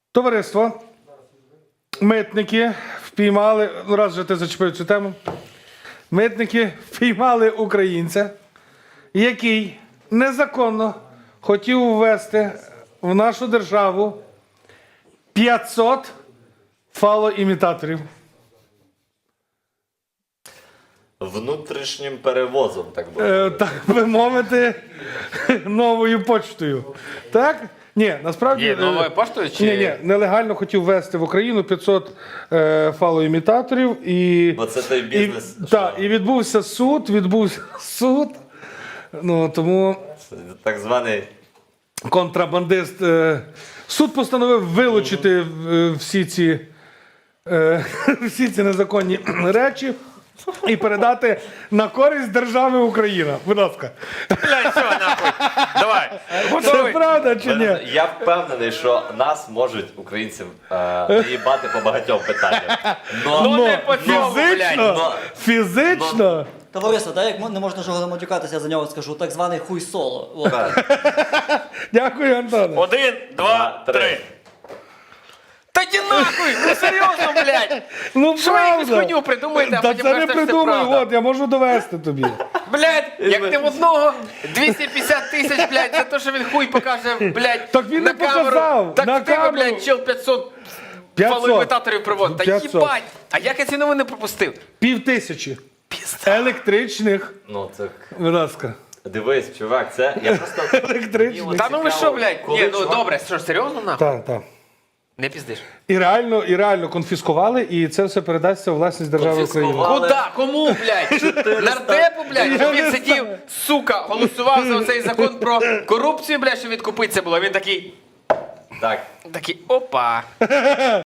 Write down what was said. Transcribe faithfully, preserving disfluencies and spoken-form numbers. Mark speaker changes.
Speaker 1: Товариство, митники впіймали, ну раз вже ти зачепив цю тему, митники впіймали українця, який незаконно хотів ввести в нашу державу п'ятсот фалоімітаторів.
Speaker 2: Внутрішнім перевозом, так би
Speaker 1: Е,
Speaker 2: мовити.
Speaker 1: так би мовити, новою почтою. Так? Ні, насправді...
Speaker 3: Ні,
Speaker 1: е,
Speaker 3: новою поштою чи-
Speaker 1: Ні, ні, нелегально хотів ввести в Україну п'ятсот е, фалоімітаторів і...
Speaker 2: Бо це той бізнес,
Speaker 1: І,
Speaker 2: що-
Speaker 1: так, і відбувся суд, відбувся суд. Ну, тому
Speaker 2: Це так званий
Speaker 1: контрабандист... Е, суд постановив вилучити е, всі ці, е, всі ці незаконні речі і передати на користь держави Україна. Будь ласка.
Speaker 3: Блядь, все, нахуй. Давай.
Speaker 1: Це
Speaker 3: Готовий?
Speaker 1: правда чи ні?
Speaker 2: Я впевнений, що нас можуть, українців, е, наїбати по багатьом питанням. Но,
Speaker 3: Ну, не по цьому, блядь.
Speaker 1: Фізично,
Speaker 2: но-
Speaker 1: фізично.
Speaker 4: Товариство, так як не можна жодного матюкатися, я за нього скажу, так званий хуй соло. От.
Speaker 1: Дякую, Антоне.
Speaker 3: Один, два,
Speaker 2: Два, три.
Speaker 3: три. Та ті нахуй! Ну серйозно, блядь!
Speaker 1: Ну,
Speaker 3: Що ви якусь
Speaker 1: правда.
Speaker 3: хуйню придумаєте, а
Speaker 1: Та
Speaker 3: потім
Speaker 1: це не
Speaker 3: кажете, що це
Speaker 1: придумаю,
Speaker 3: правда?
Speaker 1: от, я можу довести тобі.
Speaker 3: Блядь, як ти в одного двісті п'ятдесят тисяч, блядь, за те, що він хуй покаже, блядь,
Speaker 1: Так він
Speaker 3: на
Speaker 1: не
Speaker 3: камеру.
Speaker 1: показав,
Speaker 3: Так
Speaker 1: на
Speaker 3: в тебе,
Speaker 1: камеру.
Speaker 3: блядь, чел п'ятсот
Speaker 1: п'ятсот.
Speaker 3: фалоімітаторів приводить. Та
Speaker 1: п'ятсот.
Speaker 3: їбать! А як я ці новини пропустив?
Speaker 1: Пів тисячі. Електричних.
Speaker 2: Ну, це...
Speaker 1: Будь ласка.
Speaker 2: Дивись, чувак, це... Я просто...
Speaker 1: Електричних.
Speaker 3: Та ну ви що, блядь?
Speaker 2: Коли
Speaker 3: Ні, ну
Speaker 2: чувак-
Speaker 3: добре, що, серйозно нахуй?
Speaker 1: Так, так.
Speaker 3: Не піздиш.
Speaker 1: І реально, і реально конфіскували, і це все передасться у власність держави України.
Speaker 2: Конфіскували.
Speaker 3: Куда? Кому, блядь? Нардепу, блядь? Щоб він сидів, сука, голосував за цей закон про корупцію, блядь, що відкупитися було. Він такий,
Speaker 2: Так,
Speaker 3: такий, опа.